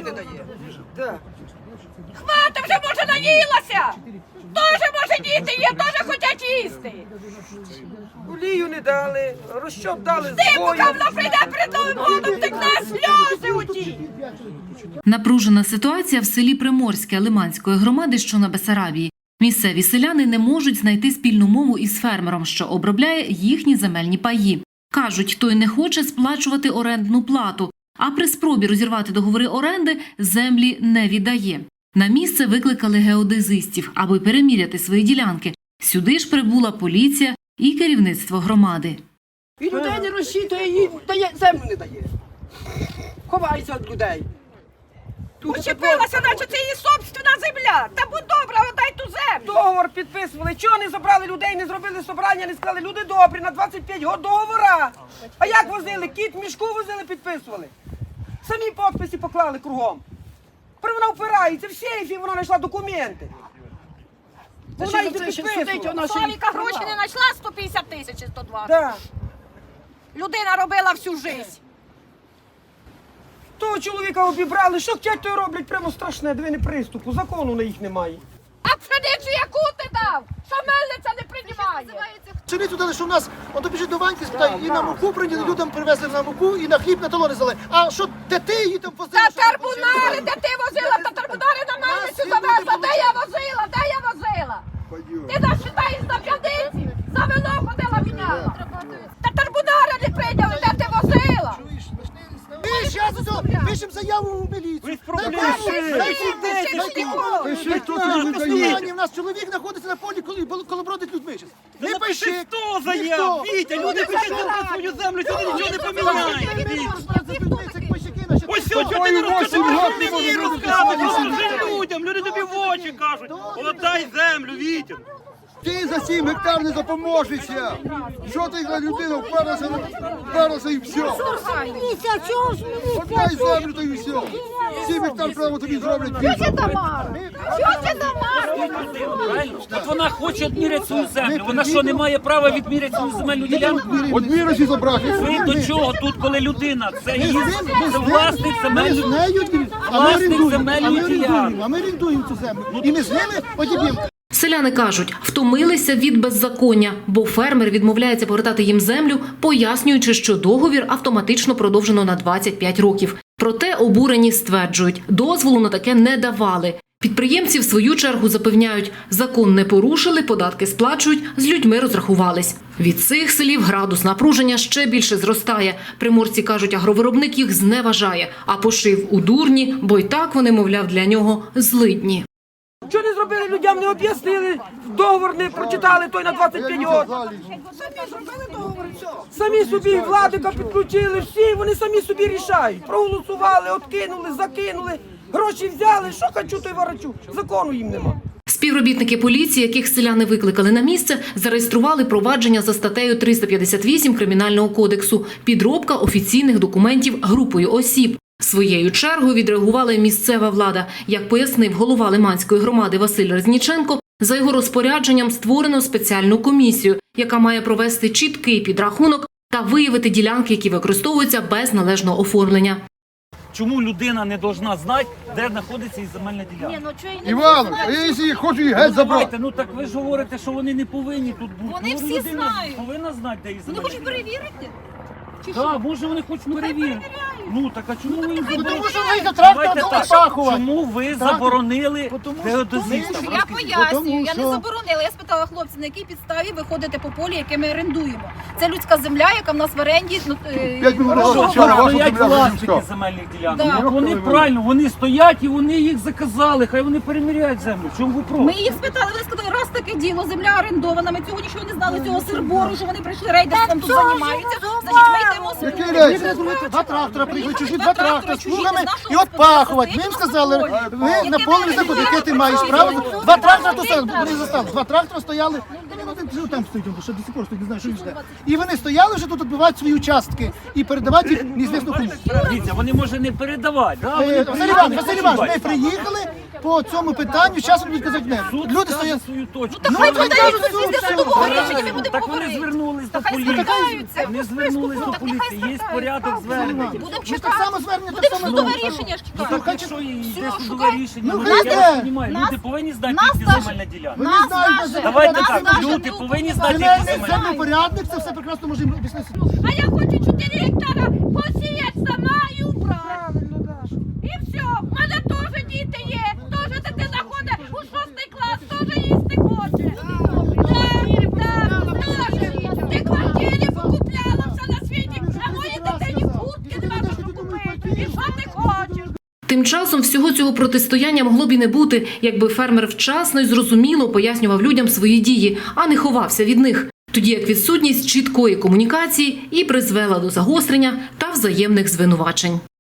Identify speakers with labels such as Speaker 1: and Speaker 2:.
Speaker 1: не дає.
Speaker 2: Хвата, вже може наїлася! Тоже може діти є, теж хочуть їсти!
Speaker 1: Олію не дали, розчоп дали з
Speaker 2: Ти,
Speaker 1: бою.
Speaker 2: поки вона прийде перед Новим годом, текне сльози у ті!
Speaker 3: Напружена ситуація в селі Приморське Лиманської громади, що на Бессарабії. Місцеві селяни не можуть знайти спільну мову із фермером, що обробляє їхні земельні паї. Кажуть, той не хоче сплачувати орендну плату, а при спробі розірвати договори оренди землі не віддає. На місце викликали геодезистів, аби переміряти свої ділянки. Сюди ж прибула поліція і керівництво громади.
Speaker 1: І людей не розчитує, їй землю не дає. Ховається від людей.
Speaker 2: Учепилася, наче це її собственна земля! Та будь добра, отдай ту землю!
Speaker 1: Договор підписували. Чого не забрали людей, не зробили собрання, не сказали, люди добрі, на 25 років договора. А як возили? Кіт в мішку возили, підписували. Самі підписи поклали кругом. Тепер вона впирається в сейфі, вона знайшла документи. Вона їх не підписувала.
Speaker 2: Славіка гроші не знайшла 150 тисяч і 120.
Speaker 1: Да.
Speaker 2: Людина робила всю життя.
Speaker 1: Того чоловіка обібрали, що хотять, то й роблять, прямо страшне, двини приступу, закону на їх немає.
Speaker 2: А пшеницю яку ти дав? Що мельниця не приймає?
Speaker 4: Пшеницю дали, що в нас, он біжить до Ваньки, спитає, і на муку прийняли, людям привезли на муку, і на хліб, на талони взяли. А що, де ти її там возила?
Speaker 2: Та тарбунари, де ти возила? Та тарбунари на мельницю завезла. Де я возила? Де я возила? Ти нас читаєш на п'яниці? За вино ходила міняла. Та тарбунари не прийняли, де ти возила?
Speaker 4: Ми зараз пишемо заяву в міліцію. У нас чоловік знаходиться на полі, коли бродить людьми.
Speaker 5: Не пиши 100 заяв, Вітя, люди пишуть на свою землю, сюди нічого не поміняє. Ось все, чого ти не розказуєш людям, люди тобі в очі кажуть, отдай землю, Вітя.
Speaker 6: Ти за 7 гектар не допоможешся. Що ти за людина вперлася і все. Отдай землю, то і все. 7 гектар прямо тобі зроблять.
Speaker 5: От вона хоче відміряти свою землю. Вона що, не має права відміряти свою земельну ділянку?
Speaker 6: От міросі забрати.
Speaker 5: Ви до чого тут, коли людина? Це власник земельної ділянки.
Speaker 4: А ми орендуємо цю землю. І ми з ними одіб'ємо.
Speaker 3: Селяни кажуть, втомилися від беззаконня, бо фермер відмовляється повертати їм землю, пояснюючи, що договір автоматично продовжено на 25 років. Проте обурені стверджують, дозволу на таке не давали. Підприємці в свою чергу запевняють, закон не порушили, податки сплачують, з людьми розрахувались. Від цих слів градус напруження ще більше зростає. Приморці кажуть, агровиробник їх зневажає, а пошив у дурні, бо й так вони, мовляв, для нього злидні.
Speaker 1: Що не зробили людям, не об'яснили, договор не прочитали, той на 25 років. Самі зробили договор, все. Самі собі владика підключили, всі, вони самі собі рішають. Проголосували, откинули, закинули, гроші взяли, що хочу, то й ворочу. Закону їм нема.
Speaker 3: Співробітники поліції, яких селяни викликали на місце, зареєстрували провадження за статтею 358 Кримінального кодексу «Підробка офіційних документів групою осіб». Своєю чергою відреагувала й місцева влада. Як пояснив голова Лиманської громади Василь Резніченко, за його розпорядженням створено спеціальну комісію, яка має провести чіткий підрахунок та виявити ділянки, які використовуються без належного оформлення.
Speaker 5: Чому людина не повинна знати, де знаходиться її земельна ділянка?
Speaker 6: Іван, а я якщо хочу її геть забрати.
Speaker 5: Ну так ви ж говорите, що вони не повинні тут бути.
Speaker 2: Вони всі
Speaker 5: людина
Speaker 2: знають.
Speaker 5: Повинна знати, де її
Speaker 2: Вони
Speaker 5: земельна
Speaker 2: хочуть
Speaker 5: ділянка.
Speaker 2: перевірити?
Speaker 5: Так, може вони хочуть перевірити. Ну так, а чому ви їм заборонили?
Speaker 4: Тому що ви трактор опахувати.
Speaker 5: Чому ви заборонили геодезистам?
Speaker 2: Я пояснюю, я не заборонила. Я спитала хлопців, на якій підставі ви ходите по полі, яке ми орендуємо. Це людська земля, яка в нас в оренді.
Speaker 5: Стоять власники земельних ділянок.
Speaker 2: Да.
Speaker 5: Вони правильно, вони стоять і вони їх заказали, хай вони переміряють землю. Чому ви проти?
Speaker 2: Ми їх спитали, вони сказали, раз таке діло, земля орендована, ми цього нічого не знали, цього сирбору, що вони прийшли рейдерством тут займаються, значить ми йдемо з
Speaker 6: Який рейс?
Speaker 4: Два трактора приїхали, чужі два трактора з плугами і отпахувати. Ми їм сказали, ви на полі заходите, яке ти маєш право. Два трактора, вони застали, два трактора стояли, там стоїть, що до сих пор стоїть, не знаю, що він жде. І вони стояли вже тут, відбивають свої участки і передавати їх неізвісно кому.
Speaker 5: Дивіться, вони може не передавати.
Speaker 4: Василь Іванович, ми приїхали, по цьому питанню, зараз будуть казати не. Люди стоять.
Speaker 5: свою точку.
Speaker 4: Ну,
Speaker 2: хай
Speaker 4: ви
Speaker 2: вони
Speaker 4: кажете,
Speaker 2: йдуть
Speaker 4: суд,
Speaker 2: до
Speaker 4: все.
Speaker 2: судового рішення, ми будемо
Speaker 5: Так вони
Speaker 2: говорити.
Speaker 5: звернулись до
Speaker 2: Хай
Speaker 5: поліції.
Speaker 2: спускаються.
Speaker 5: Вони звернулись до поліції. Є порядок звернення.
Speaker 2: Будемо
Speaker 4: Ну, так
Speaker 2: чекати.
Speaker 4: само звернення, так
Speaker 2: Будемо
Speaker 4: само.
Speaker 2: судове рішення ж
Speaker 5: Ну
Speaker 2: чекати.
Speaker 5: так якщо йде судове
Speaker 2: шукай.
Speaker 5: рішення,
Speaker 4: Ну,
Speaker 5: ну
Speaker 4: хай
Speaker 5: я
Speaker 4: йде.
Speaker 5: вас розумію,
Speaker 2: Нас-
Speaker 5: люди повинні знати,
Speaker 2: нас
Speaker 5: які
Speaker 2: даже-
Speaker 5: земельна ділянка.
Speaker 4: Вони
Speaker 2: Нас
Speaker 4: знають,
Speaker 2: даже-
Speaker 4: що
Speaker 5: Давайте
Speaker 2: нас
Speaker 5: так,
Speaker 2: даже
Speaker 5: люди
Speaker 2: не
Speaker 5: повинні
Speaker 2: впливає.
Speaker 5: знати, які
Speaker 4: Земельний
Speaker 5: земельні.
Speaker 4: землепорядник, це все прекрасно може їм об'яснити.
Speaker 2: А я хочу 4 гектара посіяти сама і убрати.
Speaker 1: Правильно, Даша.
Speaker 2: І все. У мене теж діти є. Теж дитина ходить у 6 клас, теж їсти хоче. Так, ти квартири покупляла все на світі, а моїй дитині куртки не можна купити. І що ти хочеш?
Speaker 3: Тим часом всього цього протистояння могло б і не бути, якби фермер вчасно і зрозуміло пояснював людям свої дії, а не ховався від них. Тоді як відсутність чіткої комунікації і призвела до загострення та взаємних звинувачень.